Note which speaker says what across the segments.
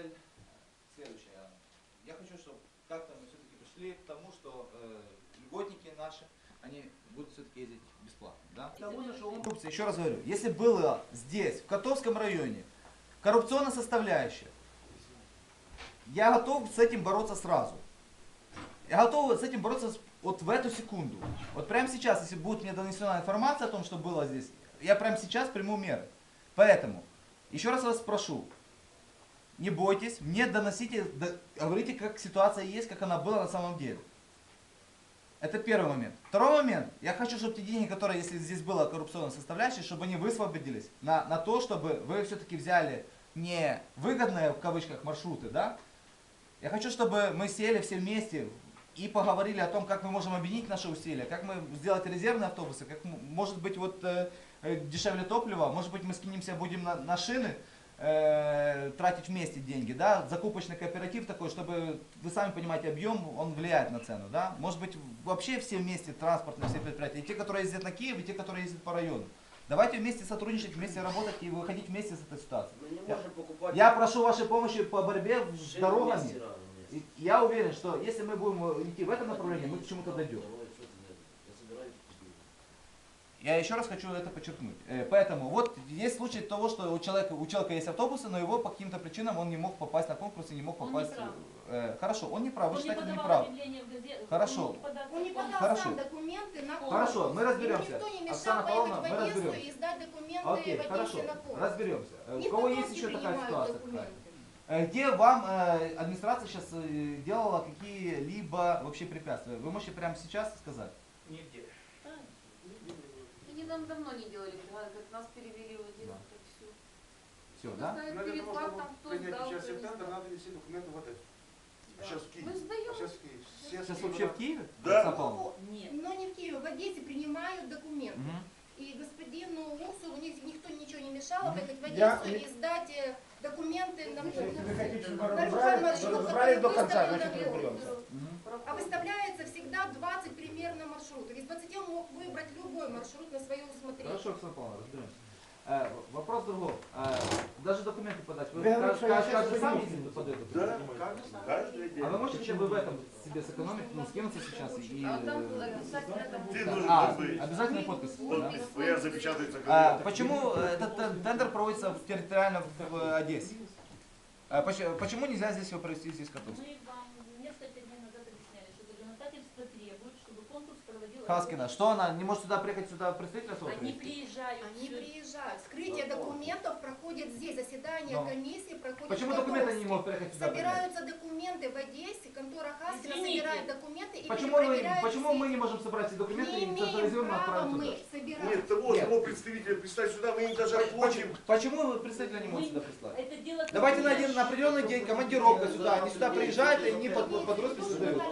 Speaker 1: цель следующая. Я хочу, чтобы как-то мы все-таки пришли к тому, что льготники наши, они будут все-таки ездить бесплатно. Да? Еще раз говорю, если было здесь, в Котовском районе, коррупционная составляющая, я готов с этим бороться сразу. Я готов с этим бороться вот в эту секунду. Вот прямо сейчас, если будет мне донесена информация о том, что было здесь, я прямо сейчас приму меры. Поэтому, еще раз вас прошу, не бойтесь, мне доносите, говорите, как ситуация есть, как она была на самом деле. Это первый момент. Второй момент, я хочу, чтобы те деньги, которые, если здесь была коррупционная составляющая, чтобы они высвободились на то, чтобы вы все-таки взяли не выгодные, в кавычках, маршруты, да? Я хочу, чтобы мы сели все вместе и поговорили о том, как мы можем объединить наши усилия, как мы сделать резервные автобусы, как может быть вот дешевле топлива, может быть мы скинемся, будем на шины тратить вместе деньги, да, закупочный кооператив такой, чтобы, вы сами понимаете, объем, он влияет на цену, да, может быть вообще все вместе транспортные все предприятия, и те, которые ездят на Киев, и те, которые ездят по району. Давайте вместе сотрудничать, вместе работать и выходить вместе из этой ситуации. Я прошу вашей помощи по борьбе с дорогами. И я уверен, что если мы будем идти в этом направлении, мы к чему-то дойдем. Я еще раз хочу это подчеркнуть. Поэтому вот есть случай того, что у человека есть автобусы, но его по каким-то причинам он не мог попасть на конкурс и не мог попасть. Хорошо, он не прав, вы считаете, он не прав. Хорошо.
Speaker 2: Он не подал сам документы на конкурс.
Speaker 1: Хорошо, мы разберемся.
Speaker 2: Никто не
Speaker 1: Оксана
Speaker 2: мешал
Speaker 1: Павловна,
Speaker 2: поехать в
Speaker 1: мы
Speaker 2: Одессу
Speaker 1: разберемся.
Speaker 2: и сдать документы
Speaker 1: Окей,
Speaker 2: в
Speaker 1: хорошо,
Speaker 2: Одессе на конкурс.
Speaker 1: разберемся.
Speaker 2: Не
Speaker 1: У кого есть
Speaker 2: Котовский
Speaker 1: еще такая
Speaker 2: принимает
Speaker 1: ситуация?
Speaker 2: документы.
Speaker 1: Где вам администрация сейчас делала какие-либо вообще препятствия? Вы можете прямо сейчас сказать?
Speaker 3: Нигде.
Speaker 4: Они нам давно не делали, как нас перевели в Одессу, так все.
Speaker 1: Все, да?
Speaker 3: Но для того, чтобы принять участие в тендер, надо нести документы в Одессу. А сейчас в Киеве.
Speaker 4: Мы сдаем.
Speaker 3: Сейчас в Киеве.
Speaker 1: Сейчас вообще в Киеве?
Speaker 3: Да.
Speaker 4: Нет.
Speaker 2: Но не в Киеве, в Одессе принимают документы.
Speaker 1: Угу.
Speaker 2: И господину Усу никто ничего не мешал поехать в Одессу и сдать документы на конкурс. На любой маршрут, который выставлен. А выставляется всегда 20 примерно маршрутов. Из 20 он мог выбрать любой маршрут на свое усмотрение.
Speaker 1: Хорошо, Оксана Павловна, разберемся. Вопрос другой. Даже документы подать. Вы каждый сам ездите подает?
Speaker 3: Да, каждый день.
Speaker 1: А вы можете хотя бы в этом себе сэкономить, ну, скинуться сейчас и...
Speaker 4: А там обязательно там
Speaker 5: Ты должен быть.
Speaker 1: Обязательно подпись. Да?
Speaker 5: ФР запечатается.
Speaker 1: Почему этот тендер проводится территориально в Одессе? Почему нельзя здесь его провести, здесь в Котовске?
Speaker 6: Мы вам несколько дней назад объясняли, что законодательство требует, чтобы конкурс проводил...
Speaker 1: Хаскина, что она не может сюда приехать, сюда представительство?
Speaker 6: Они приезжают.
Speaker 2: Они приезжают. Вскрытие документов проходит здесь, заседание комиссии проходит.
Speaker 1: Почему
Speaker 2: в
Speaker 1: документы
Speaker 2: Котовске.
Speaker 1: не могут приехать сюда?
Speaker 2: Собираются документы в Одессе, контора Хаскина собирает документы и
Speaker 1: Почему мы не можем собрать эти документы и централизованно отправить туда?
Speaker 5: Нет, того представителя представить сюда, мы им даже оплатим.
Speaker 1: Почему представителя не могут сюда прислать?
Speaker 6: Это дело
Speaker 1: Давайте на определенный день, командировка сюда, они сюда приезжают и они под роспись создают.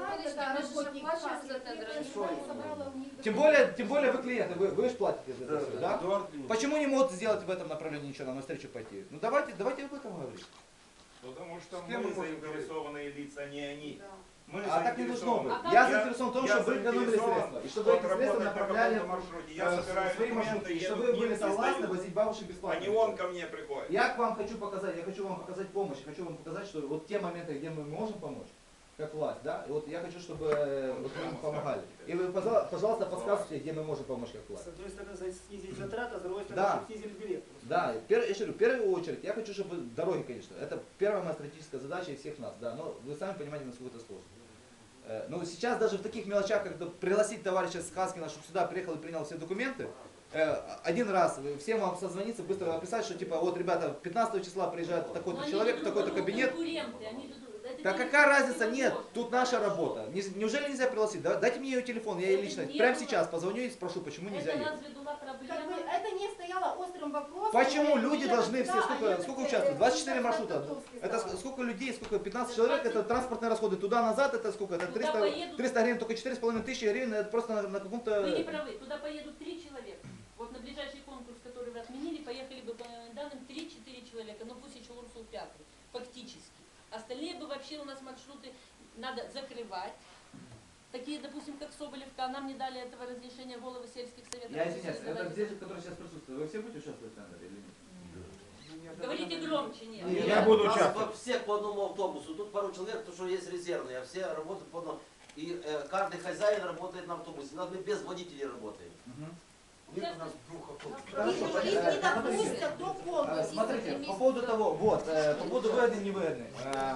Speaker 1: Тем более вы клиенты, вы же платите за это все, да? Почему не могут сделать в этом направлении ничего, нам навстречу пойти? Ну давайте об этом говорить.
Speaker 7: Потому что мы заинтересованные лица, не они. Мы
Speaker 1: так не должно быть.
Speaker 7: заинтересованы.
Speaker 1: Я заинтересован в том, чтобы вы экономили средства. И чтобы эти средства направляли
Speaker 7: Я собираю
Speaker 1: свои маршруты.
Speaker 7: документы,
Speaker 1: И
Speaker 7: еду
Speaker 1: чтобы
Speaker 7: к
Speaker 1: вы были
Speaker 7: ним,
Speaker 1: согласны
Speaker 7: сдаю.
Speaker 1: возить бабушек
Speaker 7: А
Speaker 1: бесплатно.
Speaker 7: не он ко мне приходит.
Speaker 1: Я хочу вам показать помощь. Я хочу вам показать, что вот те моменты, где мы можем помочь, как власть, да, и вот я хочу, чтобы вот вы нам помогали. И вы, пожалуйста, подсказывайте, где мы можем помочь как власть.
Speaker 8: С одной стороны, снизить затраты, а с другой стороны,
Speaker 1: Да.
Speaker 8: снизили билет.
Speaker 1: Да, я говорю, в первую очередь, я хочу, чтобы дороги, конечно, это первая моя стратегическая задача и всех нас, да, но вы сами понимаете, насколько это сложно. Но сейчас даже в таких мелочах, как пригласить товарища Хаскина, чтобы сюда приехал и принял все документы, один раз всем вам созвониться, быстро написать, что типа, вот, ребята, 15 числа приезжает такой-то человек в такой-то кабинет. Да какая разница? Нет, тут наша работа. Неужели нельзя пригласить? Дайте мне ее телефон, я ей лично прямо сейчас позвоню и спрошу, почему нельзя ехать.
Speaker 2: Это не стояло острым вопросом.
Speaker 1: Почему люди должны все, сколько участвуют? 24 маршрута. Это сколько людей, сколько? 15 человек, это транспортные расходы. Туда-назад, это сколько? Это 300 гривен, только 4,5 тысячи гривен, это просто на каком-то...
Speaker 6: Вы не правы, туда поедут 3 человека. Вот на ближайший конкурс, который вы отменили, поехали бы, по моим данным, 3-4 человека, ну пусть еще Урсул Пятый, фактически. Остальные бы вообще у нас маршруты надо закрывать. Такие, допустим, как Соболевка, нам не дали этого разрешения головы сельских советов.
Speaker 1: Я извиняюсь, это здесь, которые сейчас присутствуют, вы все будете участвовать в тендере или нет?
Speaker 6: Говорите Говорите громче, нет.
Speaker 1: Нет,
Speaker 7: Я буду
Speaker 9: Нас
Speaker 7: участвовать.
Speaker 9: всех по одному автобусу. Тут пару человек, потому что есть резервные, а все работают по одному. И каждый хозяин работает на автобусе. У нас мы без водителей работаем.
Speaker 3: Нет у нас двух автобусов.
Speaker 2: Их не допустят до конкурса.
Speaker 1: Смотрите, по поводу того, вот, по поводу выгодный, невыгодный.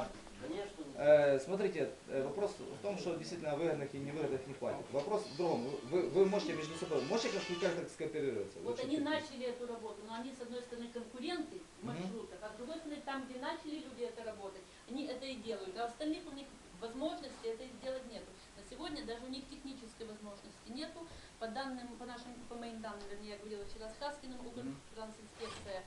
Speaker 9: Конечно.
Speaker 1: Смотрите, вопрос в том, что действительно выгодных и невыгодных не хватит. Вопрос в другом. Вы можете между собой, можете как-то скооперироваться?
Speaker 6: Вот
Speaker 1: Вы
Speaker 6: они
Speaker 1: что,
Speaker 6: начали эту работу, но они с одной стороны конкуренты в маршрутах, а с другой стороны там, где начали люди это работать, они это и делают. А остальных у них возможности это сделать нету. На сегодня даже у них технической возможности нету. По данным, по моим данным, вернее, я говорила вчера с Хаскиным, Укртрансинспекция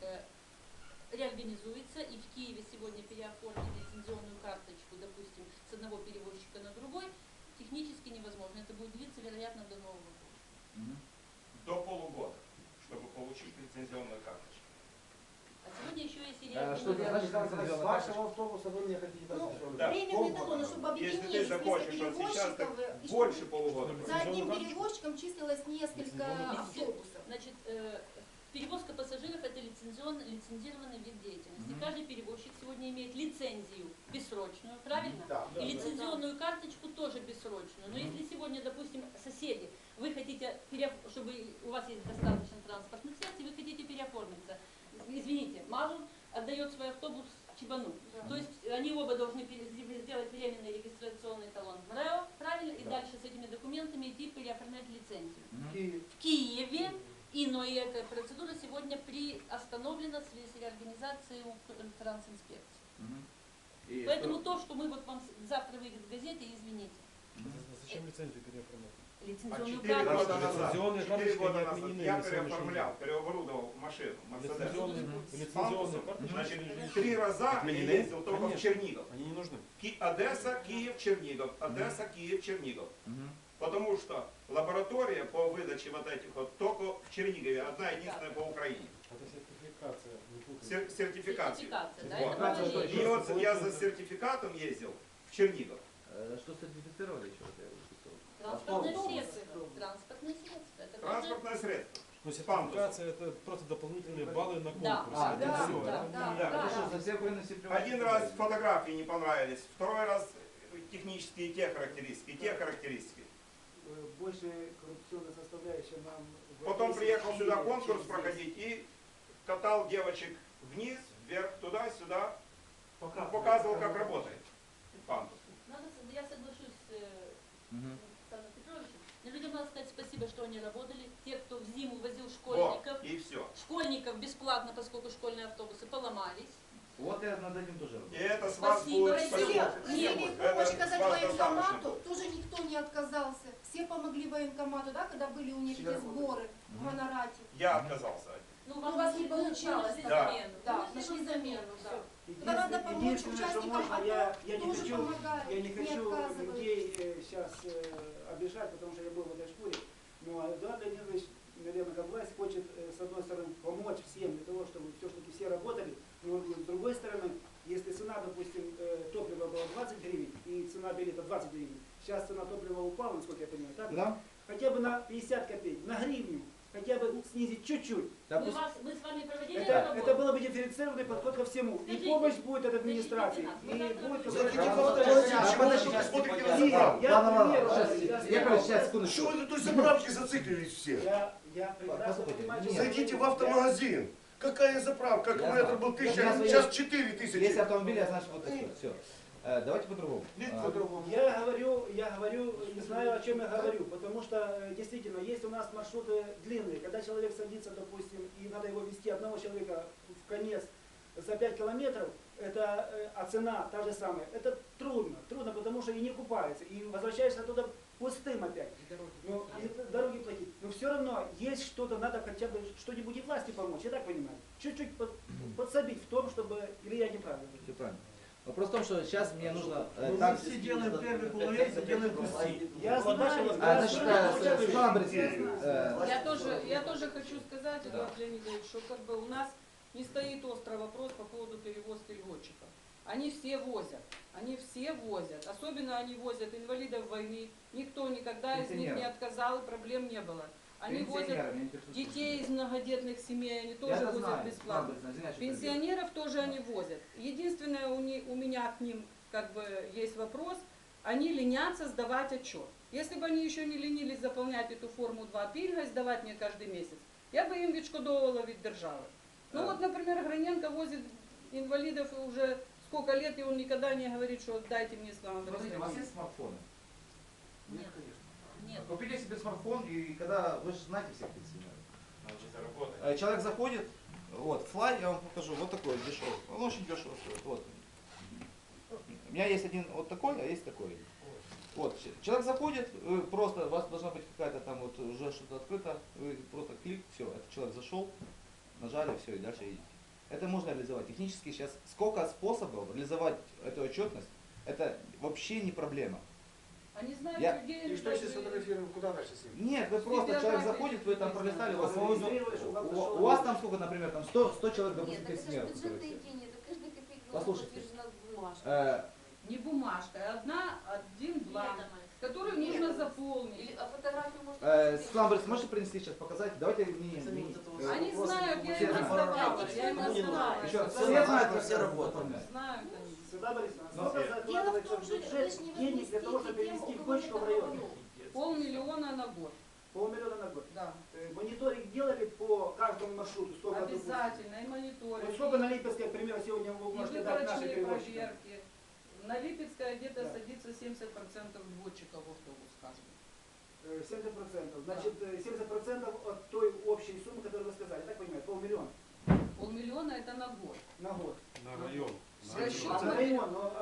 Speaker 6: реорганизуется, и в Киеве сегодня переоформить лицензионную карточку, допустим, с одного перевозчика на другой, технически невозможно. Это будет длиться, вероятно, до Нового года.
Speaker 7: До полугода, чтобы получить лицензионную карточку.
Speaker 6: А сегодня еще есть и
Speaker 1: что это значит лицензионная
Speaker 8: С вашего автобуса вы мне хотите дать
Speaker 2: Ну,
Speaker 8: еще?
Speaker 7: Да.
Speaker 2: временный талон, чтобы
Speaker 7: Если ты
Speaker 2: объединились
Speaker 7: захочешь,
Speaker 2: несколько
Speaker 7: вот сейчас, так
Speaker 2: перевозчиков, и
Speaker 7: больше
Speaker 2: чтобы
Speaker 7: полугода.
Speaker 2: за одним перевозчиком числилось несколько автобусов.
Speaker 6: Значит, перевозка пассажиров – это лицензированный вид деятельности. Каждый перевозчик сегодня имеет лицензию бессрочную, правильно?
Speaker 3: Да.
Speaker 6: И лицензионную карточку тоже бессрочную. Но если сегодня, допустим, соседи, вы хотите, чтобы у вас есть достаточно транспортных средств, и вы хотите переоформиться, извините, Мазур отдает свой автобус Чебану. То есть они оба должны сделать временный регистрационный талон в МРЭО, правильно? И дальше с этими документами идти переоформлять лицензию. В Киеве. Но и эта процедура сегодня приостановлена в связи с реорганизацией Укртрансинспекции. Поэтому то, что мы вот вам завтра выйдет в газете, извините.
Speaker 8: Зачем лицензию переоформлять?
Speaker 6: Лицензионную
Speaker 7: 4
Speaker 6: карточку.
Speaker 7: года назад,
Speaker 8: Лицензионные
Speaker 7: 4
Speaker 8: карточки
Speaker 7: года
Speaker 8: не
Speaker 7: назад
Speaker 8: отменены
Speaker 7: я
Speaker 8: на сегодняшний
Speaker 7: переоформлял, переоборудовал машину, Мерседес.
Speaker 8: Лицензионные карточки.
Speaker 7: Значит, 3 раза я
Speaker 8: Отменены?
Speaker 7: ездил только в
Speaker 8: Конечно.
Speaker 7: Чернигов.
Speaker 8: Они не нужны.
Speaker 7: Одесса, Киев, Чернигов. Одесса, Киев, Чернигов. Потому что лаборатория по выдаче вот этих вот только в Чернигове, одна единственная по Украине.
Speaker 8: Это сертификация. не путайте.
Speaker 7: Сертификация.
Speaker 6: Да,
Speaker 7: Вот.
Speaker 6: это тоже есть.
Speaker 7: И вот я за сертификатом ездил в Чернигов.
Speaker 1: Что сертифицировали еще?
Speaker 6: Транспортное средство. Транспортное средство. Это тоже-
Speaker 7: Транспортное средство.
Speaker 8: Но сертификация это просто дополнительные баллы на
Speaker 6: Да.
Speaker 8: конкурс.
Speaker 1: А,
Speaker 8: Это
Speaker 2: да,
Speaker 8: всё.
Speaker 2: да,
Speaker 8: Это
Speaker 2: да.
Speaker 8: не-
Speaker 7: Да.
Speaker 1: Хорошо, за все Украины все привозят.
Speaker 7: Один раз фотографии не понравились, второй раз технические те характеристики.
Speaker 8: Больше коррупционная составляющая нам... в
Speaker 7: Потом
Speaker 8: Одессе,
Speaker 7: приехал
Speaker 8: в
Speaker 7: сюда
Speaker 8: Киеве,
Speaker 7: конкурс
Speaker 8: чем здесь.
Speaker 7: проходить и катал девочек вниз, вверх, туда-сюда, показывал, как работает пандус.
Speaker 6: Я соглашусь с Александром Петровичем. Но людям надо сказать спасибо, что они работали. Те, кто в зиму возил
Speaker 7: Вот,
Speaker 6: школьников,
Speaker 7: и все.
Speaker 6: школьников бесплатно, поскольку школьные автобусы поломались.
Speaker 1: Вот я над этим тоже
Speaker 7: И
Speaker 1: работаю.
Speaker 7: это с вас
Speaker 6: Спасибо,
Speaker 7: будет
Speaker 6: спасибо.
Speaker 7: спасибо.
Speaker 2: Хотели
Speaker 7: Это
Speaker 2: помочь
Speaker 7: с
Speaker 2: оказать
Speaker 7: вас достаточно
Speaker 2: военкомату,
Speaker 7: будет.
Speaker 2: тоже никто не отказался. Все помогли военкомату, да, когда были у них эти сборы в Гонорате.
Speaker 7: Я отказался от них.
Speaker 6: Ну,
Speaker 2: Ну, у вас не получалось.
Speaker 6: нашли
Speaker 7: Да.
Speaker 6: замену.
Speaker 2: Да,
Speaker 6: Вы
Speaker 2: нашли замену,
Speaker 6: да.
Speaker 2: Когда надо помочь
Speaker 8: Единственное, что
Speaker 2: участникам
Speaker 8: можно,
Speaker 2: АТО,
Speaker 8: я не
Speaker 2: тоже
Speaker 8: хочу,
Speaker 2: помогают,
Speaker 8: я не хочу
Speaker 2: отказывают.
Speaker 8: людей сейчас обижать, потому что я был в этой шкуре. Но Эдуард Леонидович, наверное, как власть хочет, с одной стороны, помочь всем для того, чтобы все-таки все работали. Но с другой стороны, если цена, допустим, топлива была 20 гривен и цена билета 20 гривен, сейчас цена топлива упала, насколько я понимаю, так?
Speaker 1: Да?
Speaker 8: Хотя бы на 50 копеек, на гривню, хотя бы снизить чуть-чуть.
Speaker 6: Мы с вами проводили эту
Speaker 8: Это
Speaker 6: работу.
Speaker 8: было бы дифференцированный подход ко всему. И
Speaker 6: Скажите,
Speaker 8: помощь будет от администрации,
Speaker 6: скажите,
Speaker 8: и будет
Speaker 5: Зайдите в
Speaker 8: какой-то...
Speaker 5: автомагазин,
Speaker 1: А,
Speaker 5: чего вы
Speaker 1: подожди,
Speaker 5: тут смотрите на
Speaker 8: Нет,
Speaker 5: заправку?
Speaker 8: я,
Speaker 1: Ладно,
Speaker 8: к
Speaker 1: ладно,
Speaker 8: примеру,
Speaker 1: сейчас,
Speaker 8: я
Speaker 1: Яковлевич, сейчас,
Speaker 8: сказал,
Speaker 1: секундочку.
Speaker 5: Чего вы на той заправке зациклились все?
Speaker 8: я прекрасно
Speaker 1: Послушайте,
Speaker 8: понимаю,
Speaker 1: нет.
Speaker 8: что...
Speaker 5: Зайдите в автомагазин. Какая заправка?
Speaker 1: Я
Speaker 5: Аккумулятор
Speaker 1: знаю.
Speaker 5: был 1000,
Speaker 1: Я знаю,
Speaker 5: сейчас
Speaker 1: есть-
Speaker 5: 4000.
Speaker 1: Есть автомобили, а значит вот это все. Давайте по-другому.
Speaker 8: Я говорю, не знаю, о чем я говорю, потому что действительно есть у нас маршруты длинные. Когда человек садится, допустим, и надо его вести одного человека в конец за 5 километров, это, а цена та же самая, это трудно, потому что и не купается, и возвращаешься туда пустым опять. Но, и дороги платить. Но все равно есть что-то, надо хотя бы что-нибудь и власти помочь, я так понимаю. Чуть-чуть подсобить в том, чтобы, или я неправильно говорю.
Speaker 1: Все правильно. Вопрос в том, что сейчас мне нужно...
Speaker 5: Мы все делаем первый половец, делаем пусти.
Speaker 8: Я знаю,
Speaker 1: Значит, Светлана Борисовна,
Speaker 10: Я тоже хочу сказать, Эдуард Леонидович, что как бы у нас не стоит острый вопрос по поводу перевозки льготчиков. Они все возят. Особенно они возят инвалидов войны. Никто никогда из них не отказал, и проблем не было. Они возят
Speaker 1: Пенсионеры, меня интересует
Speaker 10: детей из многодетных семей, они
Speaker 1: Я
Speaker 10: тоже
Speaker 1: это
Speaker 10: возят
Speaker 1: знаю,
Speaker 10: бесплатно.
Speaker 1: знаю, извиняюсь, что
Speaker 10: Пенсионеров тоже они возят. Единственное, у меня к ним как бы есть вопрос, они ленятся сдавать отчет. Если бы они еще не ленились заполнять эту форму 2 пільга и сдавать мне каждый месяц, я бы им відшкодовувала від держави. Ну вот, например, Граненко возит инвалидов уже сколько лет, и он никогда не говорит, что дайте мне слава.
Speaker 1: Смотрите, у вас есть смартфоны?
Speaker 6: Нет. Нет.
Speaker 1: Купите себе смартфон, и когда, вы же знаете всех пенсионеров.
Speaker 7: Значит, заработать.
Speaker 1: Человек заходит, вот, флай, я вам покажу, вот такой дешевый. Он очень дешево стоит. Вот. У меня есть один вот такой, а есть такой. Вот, человек заходит, вы просто, у вас должна быть какая-то там вот уже что-то открыто, вы просто клик, все, этот человек зашел, нажали, все, и дальше едете. Это можно реализовать. Технически сейчас сколько способов реализовать эту отчетность, это вообще не проблема.
Speaker 10: Они знают,
Speaker 1: Я-
Speaker 10: где
Speaker 3: И
Speaker 10: они
Speaker 3: что если
Speaker 10: должны-
Speaker 3: сфотографируем, куда дальше с ним?
Speaker 1: Нет, вы просто,
Speaker 10: Биография
Speaker 1: человек заходит, вы там
Speaker 10: не
Speaker 1: пролистали, у
Speaker 10: знаю.
Speaker 1: вас, у вас там сколько, например, там 100 человек, допустим,
Speaker 4: Нет, так это же
Speaker 1: пенсионеров.
Speaker 4: бюджетные деньги, это каждая копейка
Speaker 1: Послушайте.
Speaker 4: утверждена бумажкой.
Speaker 10: Не бумажка, а один бланк,
Speaker 6: Нет,
Speaker 10: который
Speaker 4: Нет.
Speaker 10: нужно заполнить.
Speaker 4: Или фотографию можно...
Speaker 1: Светлана Борисовна, можете принести сейчас показать? Давайте мне.
Speaker 10: Они знают, я
Speaker 1: все
Speaker 10: им
Speaker 1: знают.
Speaker 10: раздавала, я им
Speaker 4: Кому не
Speaker 10: раздавала.
Speaker 1: Еще раз,
Speaker 9: Все
Speaker 1: все
Speaker 9: знают,
Speaker 1: знают,
Speaker 9: что
Speaker 1: как
Speaker 9: все
Speaker 1: это
Speaker 9: работают.
Speaker 1: оформлять.
Speaker 10: Знают они.
Speaker 8: Светлана Борисовна,
Speaker 1: Ну,
Speaker 8: сколько
Speaker 2: Дело в
Speaker 8: закладывается
Speaker 2: том,
Speaker 8: в
Speaker 2: что вы
Speaker 8: бюджет
Speaker 2: же не
Speaker 8: денег для того, чтобы
Speaker 2: возместите
Speaker 8: перевести
Speaker 2: тем, у кого
Speaker 8: почту в
Speaker 2: нет
Speaker 8: район?
Speaker 2: договоров.
Speaker 10: 500 000 на год.
Speaker 8: 500 000 на год.
Speaker 10: Да.
Speaker 8: Мониторинг делали по каждому маршруту? Сколько, допустим?
Speaker 10: Обязательно, и мониторинг.
Speaker 8: Вот сколько на Липецкой, к примеру, сегодня вы
Speaker 10: и
Speaker 8: можете дать нашим
Speaker 10: выборочные
Speaker 8: перевозчикам?
Speaker 10: проверки. На Липецкой где-то
Speaker 8: Да.
Speaker 10: садится 70% дводчиков в автобус каждый.
Speaker 8: 70%. Значит, 70% от той общей суммы, которую вы сказали. Так понимаю, 500 000
Speaker 10: 500 000 это на год.
Speaker 8: на год.
Speaker 3: На район.
Speaker 10: С расчетом
Speaker 8: А на район, но...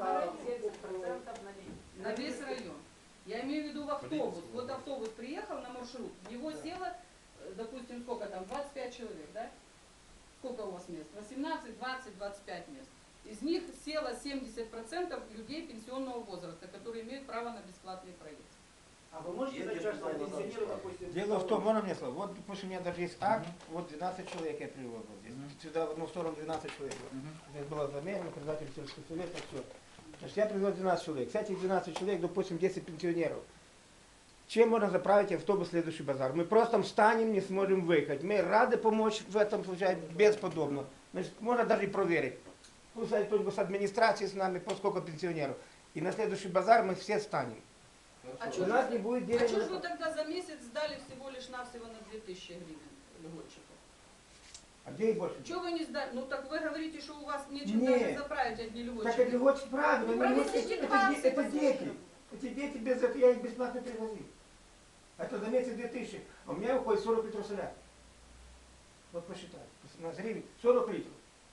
Speaker 10: на весь район. Я имею в виду в автобус. Вот автобус приехал на маршрут, в него село, допустим, сколько там, 25 человек, да? Сколько у вас мест? 18, 20, 25 мест. Из них село 70% людей пенсионного возраста, которые имеют право на бесплатный проезд.
Speaker 8: А вы можете
Speaker 9: Едешь
Speaker 8: дать каждому
Speaker 9: туда,
Speaker 8: пенсионеру,
Speaker 9: назад.
Speaker 8: допустим...
Speaker 11: Дело в том, можно мне слово? Вот, допустим, у меня даже есть акт, вот 12 человек я привел вот здесь. Сюда в одну сторону 12 человек. Здесь было замерено, председатель сельского совета, все. Значит, я привел 12 человек. С этих 12 человек, допустим, 10 пенсионеров. Чем можно заправить автобус в следующий базар? Мы просто встанем, не сможем выехать. Мы рады помочь в этом случае, бесподобно. Значит, можно даже и проверить. Пусть кто-нибудь с администрации с нами, по сколько пенсионеров. И на следующий базар мы все встанем.
Speaker 10: А
Speaker 11: У
Speaker 10: что
Speaker 11: нас не будет денег.
Speaker 10: же вы тогда за месяц сдали всего лишь навсего на 2000 гривен льготчиков?
Speaker 11: А где их больше?
Speaker 10: Чего вы не сдали? Ну так вы говорите, что у вас нечем
Speaker 11: Нет.
Speaker 10: даже заправить одни
Speaker 11: Так
Speaker 10: льготчики.
Speaker 11: это очень правильно.
Speaker 10: Ну,
Speaker 11: они не
Speaker 10: провезите
Speaker 11: могут-
Speaker 10: 20,
Speaker 11: это дети. Эти дети без этого я их бесплатно привозил. Это за месяц 2000. А у меня уходит 40 литров соляри. Вот посчитай. На гривен 40 литров.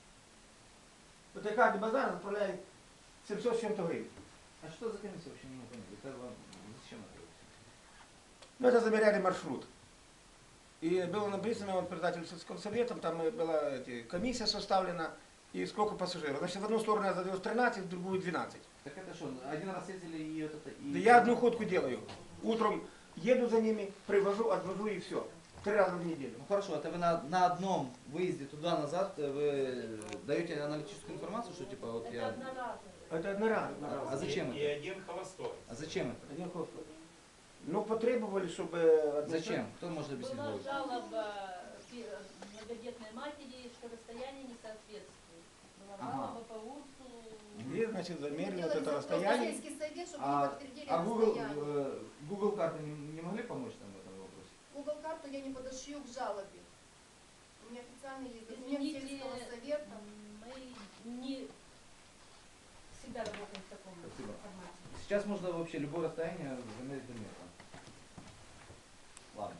Speaker 11: Вот я каждый базар заправляет 700 с чем-то гривен.
Speaker 1: А что за комиссия вообще не могу понять? Это вам зачем это?
Speaker 11: Ну это замеряли маршрут. И было написано, вот председатель сельского совета, там была комиссия составлена, и сколько пассажиров. Значит, в одну сторону я задвез 13, в другую 12.
Speaker 1: Так это что, один раз ездили и вот это... И...
Speaker 11: Да я одну ходку делаю. Утром еду за ними, привожу, отвожу и все. 3 раза в неделю.
Speaker 1: Ну хорошо, это вы на одном выезде туда-назад вы даете аналитическую информацию, что типа вот
Speaker 6: Это
Speaker 1: я...
Speaker 6: одноразово.
Speaker 11: Это одноразово.
Speaker 1: А зачем
Speaker 7: И
Speaker 1: это?
Speaker 7: один холостой.
Speaker 1: А зачем это?
Speaker 11: Один хостел. Ну, потребовали, чтобы...
Speaker 1: Зачем? Кто может объяснить?
Speaker 6: Была
Speaker 1: Вове?
Speaker 6: жалоба многодетной матери, что расстояние не соответствует. Была жалоба по УРСу.
Speaker 11: И, значит, замерили вот
Speaker 2: Делали
Speaker 11: это
Speaker 2: запрос в
Speaker 11: расстояние.
Speaker 2: сельский совет, чтобы
Speaker 1: А,
Speaker 2: не подтвердили
Speaker 1: а
Speaker 2: расстояние.
Speaker 1: Google карты не могли помочь нам в этом вопросе?
Speaker 2: Google карту я не подошью к жалобе. У меня официально есть документ
Speaker 6: Извините,
Speaker 2: сельского совета.
Speaker 6: мы не всегда работаем в таком
Speaker 1: Спасибо.
Speaker 6: формате.
Speaker 1: Сейчас можно вообще любое расстояние замерить метром. Ладно.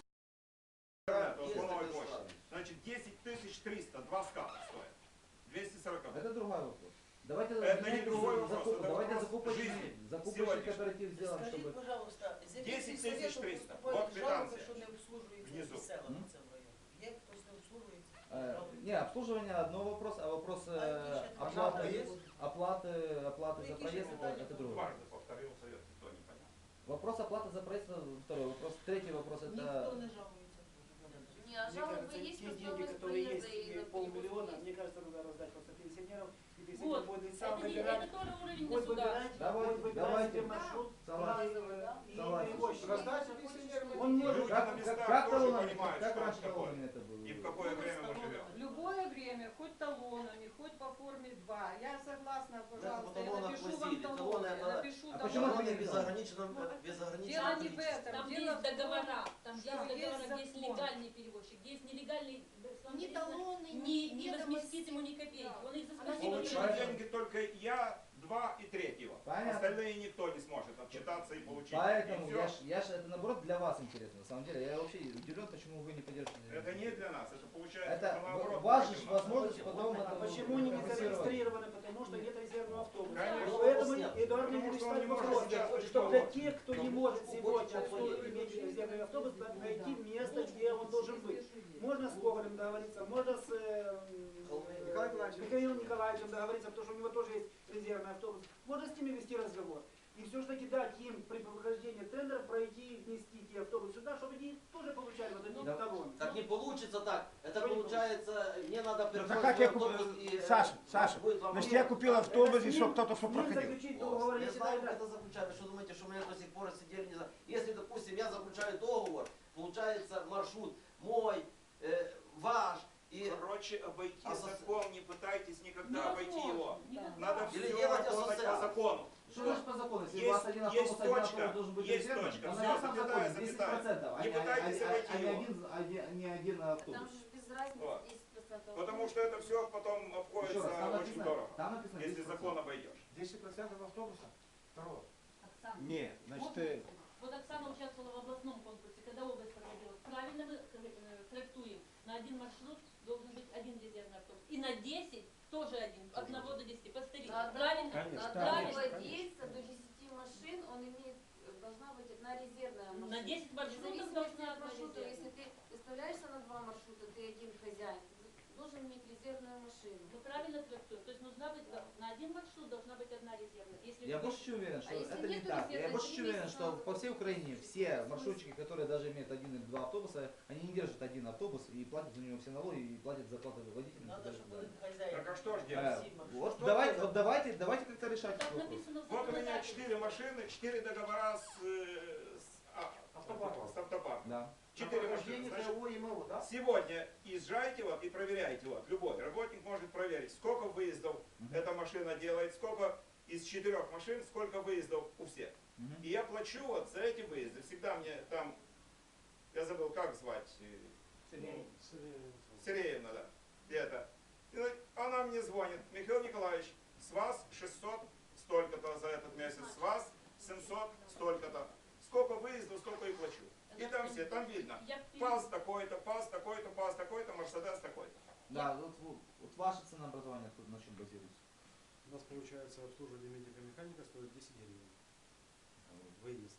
Speaker 7: По новой почте. Значит, 10 300, 2 ската стоят. 240.
Speaker 1: Это другой вопрос. Давайте
Speaker 7: Это не другой вопрос, это
Speaker 1: давайте
Speaker 7: вопрос жизни
Speaker 1: закупочный
Speaker 7: сегодняшней.
Speaker 1: кооператив сделаем,
Speaker 12: Скажіть,
Speaker 1: чтобы...
Speaker 12: пожалуйста, з
Speaker 7: 10
Speaker 12: яких совету
Speaker 7: 300.
Speaker 12: поступають
Speaker 7: Вот
Speaker 12: жалоби,
Speaker 7: квитанція.
Speaker 12: що не обслужуються
Speaker 7: Внизу.
Speaker 12: ці села
Speaker 1: М?
Speaker 12: по цьому району? Є хтось не обслужується?
Speaker 1: Не, обслуживание одно вопрос, а вопрос
Speaker 12: Пожалуйста,
Speaker 1: оплаты за проезд это другой.
Speaker 7: Дважды повторил совет, никто не понял.
Speaker 1: Вопрос оплаты за проезд это второй вопрос. Третий вопрос
Speaker 12: Ніхто
Speaker 1: это...
Speaker 12: не жалується.
Speaker 4: Не, а
Speaker 8: Мне
Speaker 4: жалобы
Speaker 8: кажется,
Speaker 4: есть,
Speaker 8: те
Speaker 4: но
Speaker 8: деньги,
Speaker 4: стоимость
Speaker 8: которые
Speaker 4: проезда
Speaker 8: есть,
Speaker 4: и на
Speaker 8: 500 000,
Speaker 4: перевозку
Speaker 8: мне кажется, надо раздать просто пенсионерам. И
Speaker 6: Вот.
Speaker 8: пенсионер будет сам
Speaker 6: Это,
Speaker 8: выбирать.
Speaker 6: это тоже уровень
Speaker 8: Будет
Speaker 6: государства.
Speaker 8: выбирать,
Speaker 1: Давайте,
Speaker 8: будет выбирать
Speaker 1: давайте.
Speaker 8: себе маршрут,
Speaker 1: Согласен.
Speaker 8: и
Speaker 1: Согласен.
Speaker 8: перевозчик.
Speaker 3: Раздача пенсионерам.
Speaker 8: Он он может.
Speaker 7: Люди на местах
Speaker 1: как
Speaker 7: тоже
Speaker 1: талонами,
Speaker 7: понимают,
Speaker 1: как
Speaker 7: что
Speaker 1: раньше
Speaker 7: это такое.
Speaker 1: талонами это было?
Speaker 7: И в какое время мы живем.
Speaker 10: В любое время, хоть талонами, хоть по форме 2. Я согласна, пожалуйста, я напишу вам талоны, я напишу
Speaker 1: А почему
Speaker 10: талоны.
Speaker 1: это не
Speaker 10: Дело не в этом,
Speaker 6: Там
Speaker 10: дело
Speaker 6: есть
Speaker 10: в том,
Speaker 6: договора, там есть
Speaker 10: что
Speaker 6: договора,
Speaker 10: есть
Speaker 6: где есть
Speaker 10: закон.
Speaker 6: легальный перевозчик, где есть нелегальный,
Speaker 2: Ни талоны,
Speaker 6: не
Speaker 2: ведомости.
Speaker 6: возместит ему ни копейки.
Speaker 2: Да.
Speaker 6: Он их за
Speaker 2: Она
Speaker 6: спасибо
Speaker 7: Получить
Speaker 6: не
Speaker 7: деньги только я, 2 и 3.
Speaker 1: Понятно.
Speaker 7: Остальные никто не сможет отчитаться и получить.
Speaker 1: Поэтому
Speaker 7: И всё.
Speaker 1: я ж это наоборот для вас интересно, на самом деле. Я вообще удивлен, почему вы не поддерживаете.
Speaker 7: Это не для нас, это получается,
Speaker 1: Это
Speaker 7: что наоборот.
Speaker 1: у вас же
Speaker 7: против нас.
Speaker 1: возможность потом
Speaker 8: А
Speaker 1: это
Speaker 8: почему они не
Speaker 1: компенсировать.
Speaker 8: зарегистрированы? Потому что нет резервного автобуса.
Speaker 7: Конечно.
Speaker 8: Поэтому Эдуард
Speaker 7: Потому
Speaker 8: Ильич
Speaker 7: что он не
Speaker 8: ставит
Speaker 7: может
Speaker 8: вопрос,
Speaker 7: сейчас
Speaker 8: что для
Speaker 7: что
Speaker 8: тех, кто не может сегодня иметь резервный автобус, надо найти место, где он должен быть. Можно с Гоголем договориться, можно с Михаилом Николаевичем договориться, потому что у него тоже есть резервный автобус. Можно с ними вести разговор. И все-таки дать им при прохождении тендера пройти, внести те автобусы сюда, чтобы они тоже получали вот эти талоны.
Speaker 9: Так не получится так. Это получается, мне надо
Speaker 11: Ну,
Speaker 9: переходить
Speaker 11: как я
Speaker 9: автобус
Speaker 11: купил,
Speaker 9: и...
Speaker 11: Саша, значит я купил автобус, и что кто-то что проходил.
Speaker 8: Заключить договор,
Speaker 9: Я
Speaker 8: если
Speaker 9: знаю,
Speaker 8: тогда-
Speaker 9: как это заключать. Вы что думаете, что мы до сих пор сидели, не знаю. Если, допустим, я заключаю договор, получается маршрут мой, ваш, и...
Speaker 7: Короче, обойти
Speaker 9: А
Speaker 7: закон, не пытайтесь никогда обойти его.
Speaker 6: Никогда.
Speaker 7: Надо
Speaker 9: Или
Speaker 7: все
Speaker 9: делать
Speaker 7: работать по
Speaker 9: ассоциацию.
Speaker 7: закону.
Speaker 1: Что значит по закону? Если
Speaker 7: Есть-
Speaker 1: у вас один
Speaker 7: есть
Speaker 1: автобус, один
Speaker 7: точка,
Speaker 1: автобус должен быть
Speaker 7: есть
Speaker 1: резервным,
Speaker 7: точка,
Speaker 1: то
Speaker 7: всё,
Speaker 1: на этом
Speaker 7: запятая,
Speaker 1: законе
Speaker 7: запятая.
Speaker 1: 10%,
Speaker 7: Не пытайтесь обойти его.
Speaker 1: не один автобус.
Speaker 4: Там же без разницы
Speaker 7: Вот.
Speaker 4: 10%.
Speaker 7: Потому что это все потом
Speaker 1: Еще
Speaker 7: обходится
Speaker 1: раз, там
Speaker 7: очень
Speaker 1: написано,
Speaker 7: дорого,
Speaker 1: там написано
Speaker 7: если
Speaker 1: 10%.
Speaker 7: закон обойдешь.
Speaker 3: 10% автобуса? Второго.
Speaker 6: Оксана,
Speaker 11: Не, значит,
Speaker 6: вот, вот Оксана участвовала в областном конкурсе, когда область проводила. Правильно мы трактуем, на один маршрут должен быть один резервный автобус. И на 10 тоже один, от 1 до 10. Посмотрите, правильно?
Speaker 11: Конечно,
Speaker 4: На
Speaker 11: конечно,
Speaker 4: владельца до 10 машин он имеет, должна быть одна резервная машина.
Speaker 6: На 10
Speaker 4: В
Speaker 6: маршрутов
Speaker 4: зависимости
Speaker 6: должна
Speaker 4: от
Speaker 6: одна
Speaker 4: маршрута,
Speaker 6: резервная.
Speaker 4: если ты выставляешься на 2 маршрута, ты один хозяин, ты должен иметь резервную машину.
Speaker 6: Мы правильно трактуем. То есть нужна быть на один маршрут должна быть одна резервная. Если
Speaker 1: Я
Speaker 6: вы-
Speaker 1: больше чем уверен, что
Speaker 4: если
Speaker 1: это не
Speaker 4: нету
Speaker 1: так. Я
Speaker 4: резервной,
Speaker 1: больше
Speaker 4: то
Speaker 1: чем
Speaker 4: не
Speaker 1: уверен,
Speaker 4: месяц
Speaker 1: что
Speaker 4: надо
Speaker 1: по всей Украине
Speaker 4: заплатить.
Speaker 1: все маршрутчики, которые даже имеют один или два автобуса, они не держат один автобус и платят за него все налоги и платят зарплаты водителям.
Speaker 12: Надо,
Speaker 1: и так
Speaker 12: чтобы
Speaker 1: далее.
Speaker 12: хозяин.
Speaker 7: Так а что ж делать?
Speaker 1: Вот
Speaker 7: Что
Speaker 1: давайте,
Speaker 7: это?
Speaker 1: вот давайте как-то решать
Speaker 6: Так
Speaker 1: этот вопрос.
Speaker 6: написано в
Speaker 7: Вот у меня
Speaker 6: законодательстве.
Speaker 7: 4 машины, 4 договора с
Speaker 3: Автопарком.
Speaker 7: автопарком.
Speaker 1: Да.
Speaker 7: 4 машины.
Speaker 3: Прохождение
Speaker 7: Значит,
Speaker 3: ТО и МО, да?
Speaker 7: сегодня езжайте вот и проверяйте вот. Любой работник может проверить, сколько выездов эта машина делает, сколько из 4 машин, сколько выездов у всех. И я плачу вот за эти выезды. Всегда мне там, я забыл, как звать, Сиреевна, да, где-то. И вот она мне звонит: Михаил Николаевич, с вас 600 столько-то за этот месяц, с вас 700 столько-то. Сколько выездов, столько и плачу. И там все, там видно. ПАЗ такой-то, ПАЗ такой-то, ПАЗ такой-то, Мерседес такой-то.
Speaker 1: Да, вот ваше ценообразование на чем базируется?
Speaker 3: У нас получается обслуживание медико-механика стоит 10 гривен. Выезд.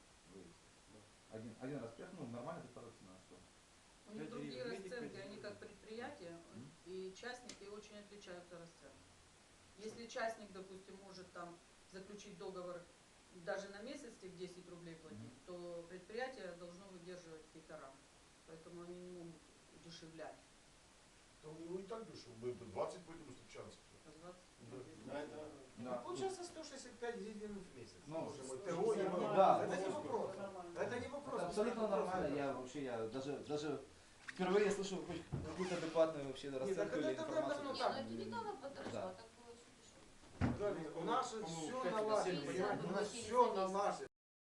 Speaker 1: Один раз приехал, ну нормально это цена, что?
Speaker 10: У них другие
Speaker 3: Медик,
Speaker 10: расценки,
Speaker 3: медик,
Speaker 10: они как
Speaker 3: медик.
Speaker 10: предприятия, и частники очень отличаются расценками. Если частник, допустим, может там заключить договор даже на месяц, тебе 10 рублей платить, то предприятие должно выдерживать какие-то рамки. Поэтому они не могут удешевлять.
Speaker 5: Да у него и так дешево. Мы 20 будем встречаться.
Speaker 10: По 20
Speaker 1: Да.
Speaker 3: Получается 165 гривен в месяц.
Speaker 1: Ну,
Speaker 3: Боже мой, ТО и МО.
Speaker 1: да.
Speaker 3: Это не вопрос. Это не вопрос.
Speaker 1: Это абсолютно нормально. Я вообще, я даже впервые слышу хоть какую-то адекватную вообще расценку или
Speaker 3: это
Speaker 1: информацию.
Speaker 3: давно
Speaker 4: Не,
Speaker 3: так.
Speaker 4: ну это недавно подросло,
Speaker 1: Да.
Speaker 4: так было очень дешево.
Speaker 3: У нас все
Speaker 7: По-моему,
Speaker 3: налажено,
Speaker 4: Нельзя
Speaker 3: понимаете? У нас
Speaker 4: было
Speaker 3: все
Speaker 4: через
Speaker 3: налажено.